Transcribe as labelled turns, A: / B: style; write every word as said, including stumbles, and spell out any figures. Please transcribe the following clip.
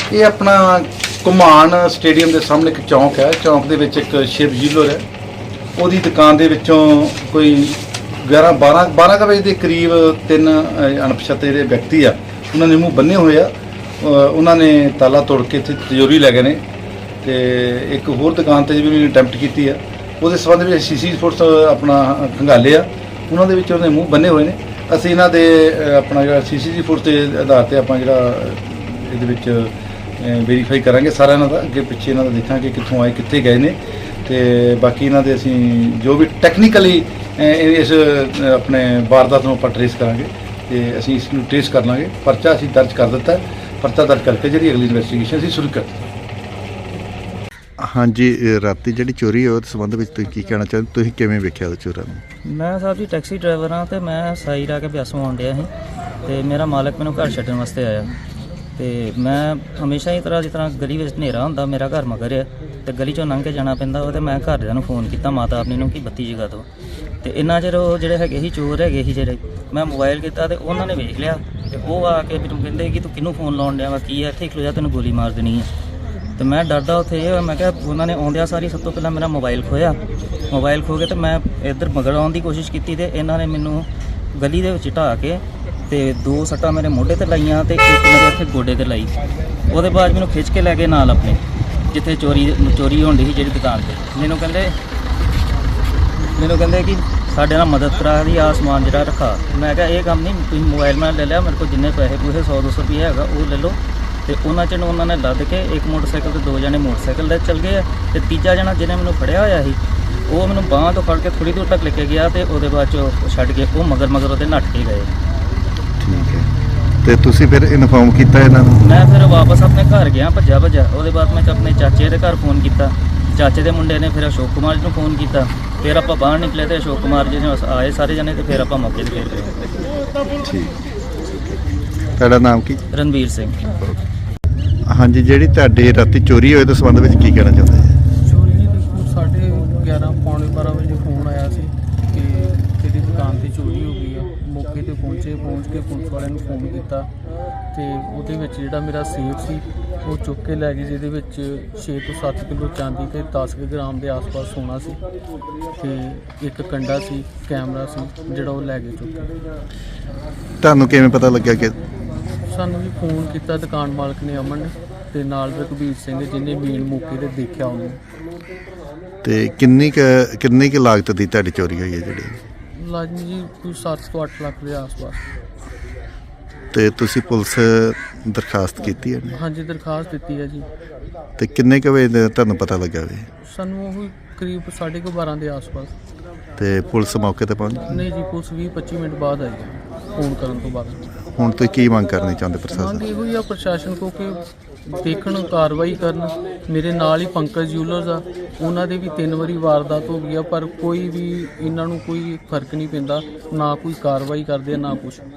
A: ਇਹ ਆਪਣਾ ਘੁਮਾਣ ਸਟੇਡੀਅਮ ਦੇ ਸਾਹਮਣੇ ਇੱਕ ਚੌਂਕ ਹੈ। ਚੌਂਕ ਦੇ ਵਿੱਚ ਇੱਕ ਸ਼ਿਵ ਜੀਲਰ ਹੈ। ਉਹਦੀ ਦੁਕਾਨ ਦੇ ਵਿੱਚੋਂ ਕੋਈ ਗਿਆਰਾਂ ਬਾਰਾਂ ਬਾਰਾਂ ਕੁ ਵਜੇ ਦੇ ਕਰੀਬ ਤਿੰਨ ਅਣਪਛਾਤੇ ਜਿਹੜੇ ਵਿਅਕਤੀ ਆ, ਉਹਨਾਂ ਨੇ ਮੂੰਹ ਬੰਨੇ ਹੋਏ ਆ। ਉਹਨਾਂ ਨੇ ਤਾਲਾ ਤੋੜ ਕੇ ਇੱਥੇ ਤਿਜੋਰੀ ਲੈ ਗਏ ਨੇ ਤੇ ਇੱਕ ਹੋਰ ਦੁਕਾਨ 'ਤੇ ਵੀ ਅਟੈਂਪਟ ਕੀਤੀ ਆ। ਉਹਦੇ ਸੰਬੰਧ ਵਿੱਚ ਸੀ ਸੀ ਫੋਰਸ ਆਪਣਾ ਖੰਗਾਲੇ ਆ, ਉਹਨਾਂ ਦੇ ਵਿੱਚ ਉਹਦੇ ਮੂੰਹ ਬੰਨੇ ਹੋਏ ਨੇ। ਅਸੀਂ ਇਹਨਾਂ ਦੇ ਆਪਣਾ ਜਿਹੜਾ ਸੀ ਸੀ ਫੋਰਸ ਦੇ ਆਧਾਰ 'ਤੇ ਆਪਾਂ ਜਿਹੜਾ ਇਹਦੇ ਵਿੱਚ ਵੈਰੀਫਾਈ ਕਰਾਂਗੇ ਸਾਰਾ ਇਹਨਾਂ ਦਾ, ਅੱਗੇ ਪਿੱਛੇ ਇਹਨਾਂ ਦਾ ਦੇਖਾਂਗੇ ਕਿੱਥੋਂ ਆਏ ਕਿੱਥੇ ਗਏ ਨੇ ਤੇ ਬਾਕੀ ਇਹਨਾਂ ਦੇ ਅਸੀਂ ਜੋ ਵੀ ਟੈਕਨੀਕਲੀ ਇਸ ਆਪਣੇ ਵਾਰਦਾਤ ਨੂੰ ਆਪਾਂ ਟਰੇਸ ਕਰਾਂਗੇ ਤੇ ਅਸੀਂ ਇਸ ਨੂੰ ਟਰੇਸ ਕਰ ਲਾਂਗੇ। ਪਰਚਾ ਅਸੀਂ ਦਰਜ ਕਰ ਦਿੱਤਾ, ਪਰਚਾ ਦਰਜ ਕਰਕੇ ਜਿਹੜੀ ਅਗਲੀ ਇਨਵੈਸਟੀਗੇਸ਼ਨ ਅਸੀਂ ਸ਼ੁਰੂ ਕਰ ਦਿੱਤੀ।
B: ਹਾਂਜੀ, ਰਾਤੀ ਜਿਹੜੀ ਚੋਰੀ ਹੋਈ ਉਹਦੇ ਸੰਬੰਧ ਵਿੱਚ ਤੁਸੀਂ ਕੀ ਕਹਿਣਾ ਚਾਹੁੰਦੇ, ਤੁਸੀਂ ਕਿਵੇਂ ਵੇਖਿਆ ਉਹ ਚੋਰਾਂ ਨੂੰ?
C: ਮੈਂ ਸਾਹਿਬ ਜੀ ਟੈਕਸੀ ਡਰਾਈਵਰ ਹਾਂ ਤੇ ਮੈਂ ਸਾਈ ਰਾ ਕੇ ਬਿਆਸੋਂ ਆਉਣ ਡਿਆ ਸੀ ਤੇ ਮੇਰਾ ਮਾਲਕ ਮੈਨੂੰ ਘਰ ਛੱਡਣ ਵਾਸਤੇ ਆਇਆ ਤੇ ਮੈਂ ਹਮੇਸ਼ਾ ਹੀ ਤਰ੍ਹਾਂ ਜਿਸ ਤਰ੍ਹਾਂ ਗਲੀ ਵਿੱਚ ਹਨੇਰਾ ਹੁੰਦਾ, ਮੇਰਾ ਘਰ ਮਗਰ ਆ ਤੇ ਗਲੀ ਚੋਂ ਲੰਘ ਕੇ ਜਾਣਾ ਪੈਂਦਾ ਉਹ ਤੇ ਮੈਂ ਘਰਦਿਆਂ ਨੂੰ ਫੋਨ ਕੀਤਾ, ਮਾਤਾ ਆਪਣੀ ਨੂੰ, ਕਿ ਬੱਤੀ ਜਗਾ ਦਿਓ। ਤੇ ਇੰਨਾ ਚਿਰ ਉਹ ਜਿਹੜੇ ਹੈਗੇ ਸੀ ਚੋਰ ਹੈਗੇ ਸੀ ਜਿਹੜੇ, ਮੈਂ ਮੋਬਾਈਲ ਕੀਤਾ ਤੇ ਉਹਨਾਂ ਨੇ ਵੇਖ ਲਿਆ ਤੇ ਉਹ ਆ ਕੇ ਮੈਨੂੰ ਕਹਿੰਦੇ ਕਿ ਤੂੰ ਕਿਹਨੂੰ ਫੋਨ ਲਾਉਣ ਡਿਆ ਵਾ, ਕੀ ਹੈ ਇੱਥੇ ਖਲੋ ਜਾ, ਤੈਨੂੰ ਗੋਲੀ ਮਾਰ ਦੇਣੀ ਹੈ। ਤੇ ਮੈਂ ਡਰਦਾ ਉੱਥੇ ਇਹ ਮੈਂ ਕਿਹਾ, ਉਹਨਾਂ ਨੇ ਆਉਂਦਿਆਂ ਸਾਰੀ ਸਭ ਤੋਂ ਪਹਿਲਾਂ ਮੇਰਾ ਮੋਬਾਈਲ ਖੋਇਆ। ਮੋਬਾਈਲ ਖੋ ਕੇ ਤੇ ਮੈਂ ਇੱਧਰ ਮਗਰ ਆਉਣ ਦੀ ਕੋਸ਼ਿਸ਼ ਕੀਤੀ ਤੇ ਇਹਨਾਂ ਨੇ ਮੈਨੂੰ ਗਲੀ ਦੇ ਵਿੱਚ ਢਾਹ ਕੇ ਤੇ ਦੋ ਸੱਟਾਂ ਮੇਰੇ ਮੋਢੇ ਤੇ ਲਾਈਆਂ ਤੇ ਇੱਕ ਮੇਰੇ ਇੱਥੇ ਗੋਡੇ ਤੇ ਲਾਈ। ਉਹਦੇ ਬਾਅਦ ਮੈਨੂੰ ਖਿੱਚ ਕੇ ਲੈ ਗਏ ਨਾਲ ਆਪਣੇ, ਜਿੱਥੇ ਚੋਰੀ ਚੋਰੀ ਹੋਣ ਡਈ ਸੀ ਜਿਹੜੀ ਦੁਕਾਨ 'ਤੇ। ਮੈਨੂੰ ਕਹਿੰਦੇ ਮੈਨੂੰ ਕਹਿੰਦੇ ਕਿ ਸਾਡੇ ਨਾਲ ਮਦਦ ਕਰਾ ਦੀ, ਆ ਸਮਾਨ ਜਿਹੜਾ ਰੱਖਾ। ਮੈਂ ਕਿਹਾ ਇਹ ਕੰਮ ਨਹੀਂ, ਤੁਸੀਂ ਮੋਬਾਈਲ ਮੈਂ ਲੈ ਲਿਆ, ਮੇਰੇ ਕੋਲ ਜਿੰਨੇ ਪੈਸੇ ਪੂਸੇ ਸੌ ਦੋ ਸੌ ਰੁਪਏ ਹੈਗਾ ਉਹ ਲੈ ਲਓ। ਤੇ ਉਹਨਾਂ 'ਚ ਉਹਨਾਂ ਨੇ ਲੱਦ ਕੇ ਇੱਕ ਮੋਟਰਸਾਈਕਲ ਤੇ ਦੋ ਜਣੇ ਮੋਟਰਸਾਈਕਲ 'ਤੇ ਚੱਲ ਗਏ ਆ ਤੇ ਤੀਜਾ ਜਣਾ ਜਿਹਨੇ ਮੈਨੂੰ ਫੜਿਆ ਹੋਇਆ ਸੀ ਉਹ ਮੈਨੂੰ ਬਾਂਹ ਤੋਂ ਫੜ ਕੇ ਥੋੜ੍ਹੀ ਦੂਰ ਤੱਕ ਲੈ ਕੇ ਗਿਆ ਤੇ ਉਹਦੇ ਬਾਅਦ 'ਚ ਉਹ ਛੱਡ ਕੇ ਉਹ ਮਗਰ ਮਗਰ ਉਹਦੇ ਨੱਠ ਕੇ ਗਏ।
B: ਠੀਕ ਹੈ, ਤੇ ਤੁਸੀਂ ਫਿਰ ਇਨਫੋਰਮ ਕੀਤਾ ਇਹਨਾਂ ਨੂੰ?
C: ਮੈਂ ਫਿਰ ਵਾਪਸ ਆਪਣੇ ਘਰ ਗਿਆ ਭੱਜਾ ਭੱਜਾ। ਉਹਦੇ ਬਾਅਦ ਮੈਂ ਆਪਣੇ ਚਾਚੇ ਦੇ ਘਰ ਫੋਨ ਕੀਤਾ, ਚਾਚੇ ਦੇ ਮੁੰਡੇ ਨੇ ਫਿਰ ਅਸ਼ੋਕ ਕੁਮਾਰ ਜੀ ਨੂੰ ਫੋਨ ਕੀਤਾ। ਫਿਰ ਆਪਾਂ ਬਾਹਰ ਨਿਕਲੇ ਤੇ ਅਸ਼ੋਕ ਕੁਮਾਰ ਜੀ ਨੇ ਆਏ ਸਾਰੇ ਜਣੇ ਤੇ ਫਿਰ ਆਪਾਂ ਮੌਕੇ 'ਤੇ ਫਿਰ ਗਏ।
B: ਠੀਕ, ਤੁਹਾਡਾ ਨਾਮ ਕੀ?
C: ਰਣਵੀਰ ਸਿੰਘ।
B: ਹਾਂਜੀ, ਜਿਹੜੀ ਤੁਹਾਡੇ ਰਾਤੀ ਚੋਰੀ ਹੋਈ ਉਹਦੇ ਸੰਬੰਧ ਵਿੱਚ ਕੀ ਕਹਿਣਾ ਚਾਹੁੰਦੇ ਜੀ?
D: ਚੋਰੀ ਦੀ ਦੇਖੋ ਸਾਢੇ ਗਿਆਰਾਂ ਪੌਣੇ ਬਾਰਾਂ ਵਜੇ ਫੋਨ ਆਇਆ ਸੀ ਕਿ ਤੇਰੀ ਦੁਕਾਨ 'ਤੇ ਚੋਰੀ ਹੋ ਗਈ ਆ। ਮੌਕੇ 'ਤੇ ਪਹੁੰਚੇ, ਪਹੁੰਚ ਕੇ ਪੁਲਿਸ ਵਾਲਿਆਂ ਨੂੰ ਫੋਨ ਕੀਤਾ ਤੇ ਉਹਦੇ ਵਿੱਚ ਜਿਹੜਾ ਮੇਰਾ ਸੇਫ ਸੀ ਉਹ ਚੁੱਕ ਕੇ ਲੈ ਗਏ, ਜਿਹਦੇ ਵਿੱਚ ਛੇ ਤੋਂ ਸੱਤ ਕਿਲੋ ਚਾਂਦੀ ਤੇ ਦਸ ਕੁ ਗ੍ਰਾਮ ਦੇ ਆਸ-ਪਾਸ ਸੋਨਾ ਸੀ ਤੇ ਇੱਕ ਕੰਡਾ ਸੀ, ਕੈਮਰਾ ਸੀ ਜਿਹੜਾ ਉਹ ਲੈ ਗਏ ਚੁੱਕ ਕੇ।
B: ਤੁਹਾਨੂੰ ਕਿਵੇਂ ਪਤਾ ਲੱਗਿਆ ਕਿ?
D: ਸਾਨੂੰ ਵੀ ਫੋਨ ਕੀਤਾ ਦੁਕਾਨ ਮਾਲਕ ਨੇ, ਅਮਨ ਨੇ, ਤੇ ਨਾਲ ਰਘਬੀਰ ਸਿੰਘ ਜਿਹਨੇ ਮੇਨ ਮੌਕੇ 'ਤੇ ਦੇਖਿਆ ਉਹਨੂੰ।
B: ਤੇ ਕਿੰਨੀ ਕੁ ਕਿੰਨੀ ਕੁ ਲਾਗਤ ਦੀ ਤੁਹਾਡੀ ਚੋਰੀ ਹੋਈ ਹੈ ਜਿਹੜੀ?
D: ਲਾਜ਼ਮੀ ਜੀ ਕੋਈ ਸੱਤ ਤੋਂ ਅੱਠ ਲੱਖ ਦੇ ਆਸ-ਪਾਸ।
B: ਤੇ ਤੁਸੀਂ ਪੁਲਿਸ ਦਰਖਾਸਤ ਕੀਤੀ ਹੈ?
D: ਹਾਂਜੀ, ਦਰਖਾਸਤ ਦਿੱਤੀ ਹੈ ਜੀ।
B: ਤੇ ਕਿੰਨੇ ਕੁ ਵਜੇ ਦਾ ਤੁਹਾਨੂੰ ਪਤਾ ਲੱਗਾ ਵੀ?
D: ਸਾਨੂੰ ਉਹ ਕਰੀਬ ਸਾਢੇ ਕੁ ਬਾਰਾਂ ਦੇ ਆਸ-ਪਾਸ।
B: ਤੇ ਪੁਲਿਸ ਮੌਕੇ ਤੇ ਪਹੁੰਚ ਗਈ?
D: ਨਹੀਂ ਜੀ, ਪੁਲਿਸ ਵੀਹ ਪੱਚੀ ਮਿੰਟ ਬਾਅਦ ਆਈ ਫੋਨ ਕਰਨ ਤੋਂ ਬਾਅਦ।
B: ਹੁਣ ਤੁਸੀਂ ਕੀ ਮੰਗ ਕਰਨੀ ਚਾਹੁੰਦੇ ਪ੍ਰਸ਼ਾਸਨ?
D: ਮੰਗ ਇਹੋ ਹੀ ਆ ਪ੍ਰਸ਼ਾਸਨ ਕੋ ਕਿ ਦੇਖਣ, ਕਾਰਵਾਈ ਕਰਨ। ਮੇਰੇ ਨਾਲ ਹੀ ਪੰਕਜ ਜੂਲਰਸ ਆ, ਉਹਨਾਂ ਦੇ ਵੀ ਤਿੰਨ ਵਾਰੀ ਵਾਰਦਾਤ ਹੋ ਗਈ ਆ ਪਰ ਕੋਈ ਵੀ ਇਹਨਾਂ ਨੂੰ ਕੋਈ ਫਰਕ ਨਹੀਂ ਪੈਂਦਾ, ਨਾ ਕੋਈ ਕਾਰਵਾਈ ਕਰਦੇ ਆ ਨਾ ਕੁਛ।